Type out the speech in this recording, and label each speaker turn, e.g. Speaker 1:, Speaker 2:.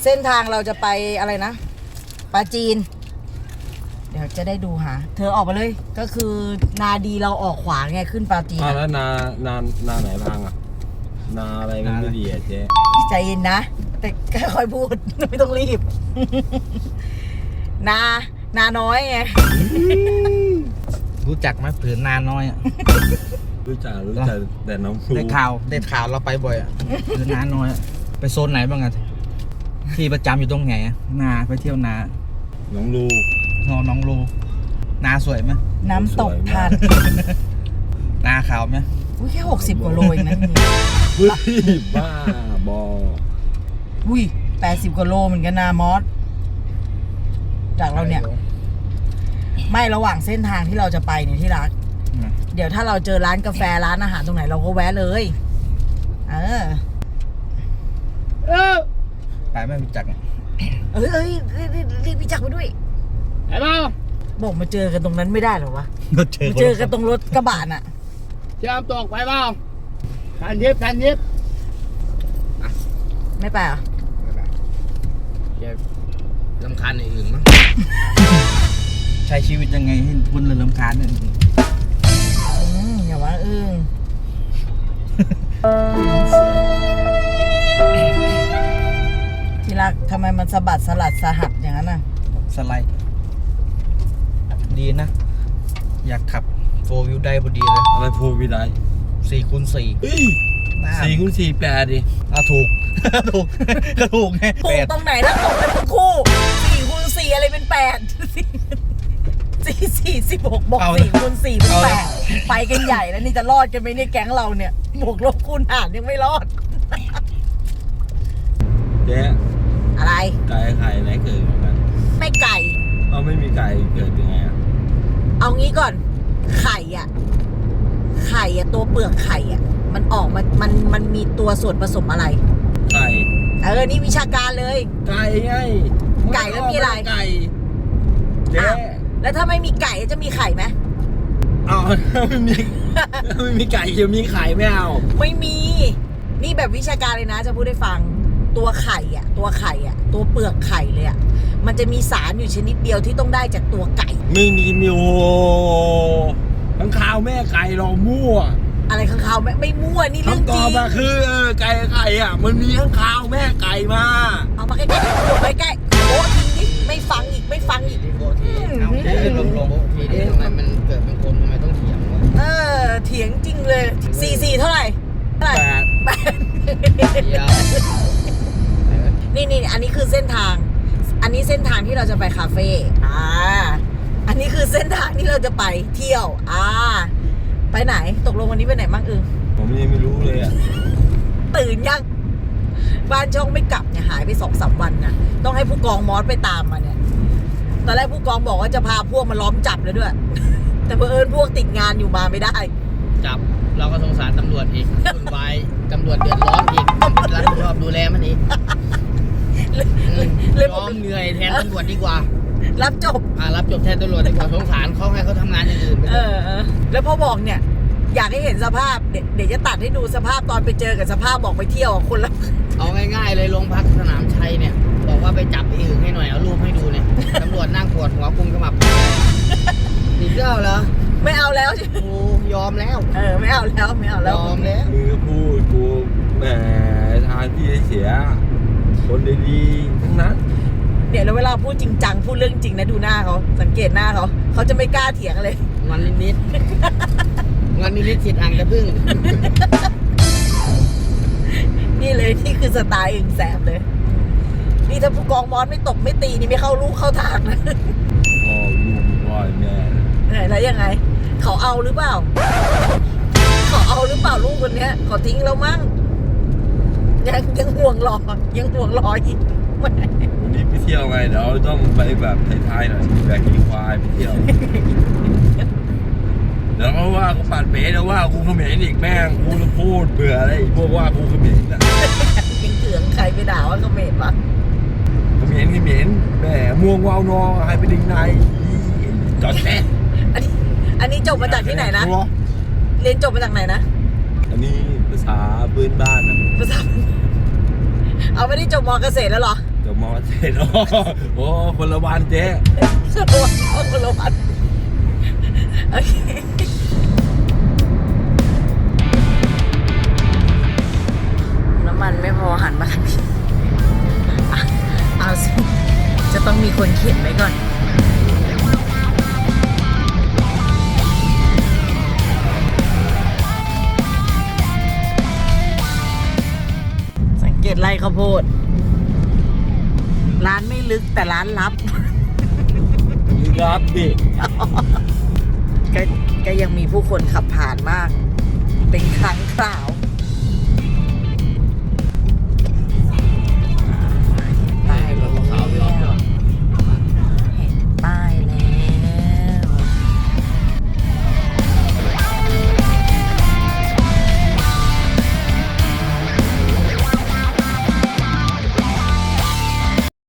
Speaker 1: เส้นทางเราจะไปอะไรนะปราจีนเดี๋ยวจะได้ดูหาเธอออกมาเลยก็คือนาดีเราออกขวาไงขึ้นปราจีน
Speaker 2: แล้วนาไหนพังอ่ะนาอะไรมันไม่ดีอ่ะเจ๊
Speaker 1: ใจเย็นนะแต่ค่อยๆพูดไม่ต้องรีบ นาน้อยไง
Speaker 3: รู้จักไหมผืนนาน้อยอ่ะ
Speaker 2: รู้จักแต่น้องครู
Speaker 3: ได้ข่าวเราไปบ่อยอ่ะผืนนาน้อยอ่ะไปโซนไหนบ้างอ่ะที่ประจำอยู่ตรงไหนนาไปเที่ยวนา
Speaker 2: น้องลู
Speaker 3: น้องรูนาสวยไหม
Speaker 1: น้ำตกทัน
Speaker 3: นาขาวไหม
Speaker 1: อุ้ยแค่60 กว่าโลเองนะ
Speaker 2: เฮ้ยบ้าบอ
Speaker 1: อุ้ย80 กว่าโลเหมือนกันนะมอสจากเราเนี่ยไม่ระหว่างเส้นทางที่เราจะไปเนี่ยที่รักเดี๋ยวถ้าเราเจอร้านกาแฟร้านอาหารตรงไหนเราก็แวะเลย
Speaker 3: ไปไม่รู้จัก
Speaker 1: เอ้ยรีบพี่จักรไปด้วย
Speaker 4: ไอ้เปล่า
Speaker 1: บอกมาเจอกันตรงนั้นไม่ได้หรอวะ
Speaker 3: ก็เจ
Speaker 1: มาเจอกันตรงรถกระบะน่ะ
Speaker 4: เชื่อมตกไปเปล่าทันยิบ
Speaker 1: ไม่ไปอ่ะ
Speaker 3: ลำคาญอื่นมั้งใช้ชีวิตยังไงให้พ้นเรื่องลำคาญเนี่ย
Speaker 1: อย่าว่าที่รักทำไมมันสะบัดสลัดสหัสอย่างนั้นน่ะ
Speaker 3: สไลด์ดีนะ อยากขับโฟวิวได้พอดีเลย
Speaker 2: อะไรพูดไม่ได้
Speaker 3: 4x4
Speaker 2: เฮ้ย4x4 8ดิ
Speaker 3: ถูก ก็ถูกไง
Speaker 1: ถูกตรงไหนแล้วตกกันทั้งคู่4x4อะไรเป็น8 4 16บอก4x4เป็น8ไปกันใหญ่แล้วนี่จะรอดกันไหมเนี่ยแก๊งเราเนี่ยบวกลบคูณหารยังไม่รอด
Speaker 2: เจ๊
Speaker 1: อะไร
Speaker 2: ไก่ไข่ไหนเกิดเหมือนกัน
Speaker 1: ไม่ไก่
Speaker 2: เอาไม่มีไก่เกิดยังไงอ่ะ
Speaker 1: เอางี้ก่อนไข่อะตัวเปลือกไข่อะมันออกมันมีตัวส่วนผสมอะไร
Speaker 2: ไก่
Speaker 1: นี่วิชาการเลย
Speaker 2: ไก่ไง
Speaker 1: ไก่แล้วมีอะไร
Speaker 2: ไก่เจ๊
Speaker 1: อ้าวแล้วถ้าไม่มีไก่จะมีไข่ไหม
Speaker 2: เอาไม่มีไก่จะมีไข่ไม่เอา
Speaker 1: ไม่มีนี่แบบวิชาการเลยนะจะพูดให้ฟังตัวไข่อะตัวเปลือกไข่เลยอะมันจะมีสารอยู่ชนิดเดียวที่ต้องได้จากตัวไก่
Speaker 2: ไม่มีโอ้ทั้งข้าวแม่ไก่เรามั่ว
Speaker 1: อะไรข้างเขาไม่มั่วนี่เรื่
Speaker 2: ทั้
Speaker 1: อง ง
Speaker 2: ต
Speaker 1: จ
Speaker 2: อ
Speaker 1: ริ
Speaker 2: บ
Speaker 1: ง
Speaker 2: อะคือไก่อ่ะมันมีทั้งข้าวแม่ไก่มา
Speaker 1: เอามาใกล้ๆโใกล้ๆโอ้ทิ้งดิไม่ฟังอีก
Speaker 3: ลงทีนี้ทำไมมันเกิดเป็นคนทำไมต้องเถียงวะ
Speaker 1: เถียงจริงเลย4เท่าไหร่8
Speaker 3: เดี๋ยว
Speaker 1: นี่อันนี้คือเส้นทาง อันนี้เส้นทางที่เราจะไปคาเฟ่อันนี้คือเส้นทางที่เราจะไปเที่ยวไปไหนตกลงวันนี้ไปไหนบ้าง
Speaker 2: ผมยังไม่รู้เลยอ่ะ
Speaker 1: ตื่นยังบ้านช่องไม่กลับเนี่ยหายไป2-3 วันนะต้องให้ผู้กองมอสไปตามมาเนี่ยตอนแรกผู้กองบอกว่าจะพาพวกมาล้อมจับเลยด้วย แต่เผอิญพวกติดงานอยู่มาไม่ได้
Speaker 4: จับเราก็สงสารตำรวจอีกวุ่นวายตำรวจเดือดร้อนอีกรับผิดชอบดูแลมันอีกยอมเหนื่อยแทนตำรวจดีกว่า
Speaker 1: รับจบ
Speaker 4: รับจบแทนตำรวจดีกว่าสงสารเขาให้เขาทำงานอย่างอื่นไป
Speaker 1: แล้วพอบอกเนี่ย อยากให้เห็นสภาพเดี๋ยวจะตัดให้ดูสภาพตอนไปเจอกับสภาพบอกไปเที่ยวคนละ
Speaker 4: เอาง่ายๆเลยโรงพักสนามชัยเนี่ยบอกว่าไปจับไอ้อึ่งให้หน่อยเอารูปให้ดูเนี่ยตำรวจนั่งปวดหัวกุมขมับอีกแล้วเหรอ
Speaker 1: ไม่เอาแล้ว
Speaker 4: โอ้ยอมแล้ว
Speaker 1: ไม่เอาแล้ว
Speaker 4: ยอมแล้ว
Speaker 2: มือพูดกูแหมทางที่เสียคนดีๆทั้งนั้น
Speaker 1: เดี๋ยวแล้วเวลาพูดจริงจังพูดเรื่องจริงนะดูหน้าเขาสังเกตหน้าเขาจะไม่กล้าเถียงเลย
Speaker 4: วันนิดฉีดอ่างกระพึ่ง
Speaker 1: นี่เลยนี่คือสไตล์อึ่งแสบเลยนี่ถ้าผู้กองมอสไม่ตบไม่ตีนี่ไม่เข้าลูกเข้าทางนะ
Speaker 2: พ่อลูกพ่อแม่
Speaker 1: แล้วยังไง เขาเอาหรือเปล่าลูกคนเนี้ยเขาทิ้งแล้วมั้งยังห่วงรออีก
Speaker 2: วันนี้ไปเที่ยวไงเดี๋ยวต้องไปแบบไทยๆหน่อยแบกขี่ควายไปเที่ยวเดี๋ยวเขาว่ากูปั่นเป๋แล้วว่ากูเขมรอีกแม่งกูจะพูดเบื่ออะไรพวกว่ากูเขมรอ่ะ
Speaker 1: ยังเถืองใครไปด่าว่าเขาเหม็นวะ
Speaker 2: เขมรแม่ม่วงวาวนอให้ไปดึงในจอดแท้
Speaker 1: อันนี้จบมาจากที่ไหนนะเรียนจบมาจากไหนนะ
Speaker 2: อันนี้ภาษาพื้นบ้านนะ
Speaker 1: ภาษาเอาไม่ได้จบม.เกษตรแล้วเหรอ
Speaker 2: กับมอเตอร์โอ้คนละวันเจ๊
Speaker 1: คนละวันโอเคน้ำมันไม่พอหันมาทางนี้อ่ะเอาสิ จะต้องมีคนเข็นไว้ก่อน สังเกตไร่ข้าวโพด ร้านไม่ลึกแต่ร้านลับ
Speaker 2: รับดิ
Speaker 1: ก็ยังมีผู้คนขับผ่านมาก เป็นครั้งคราว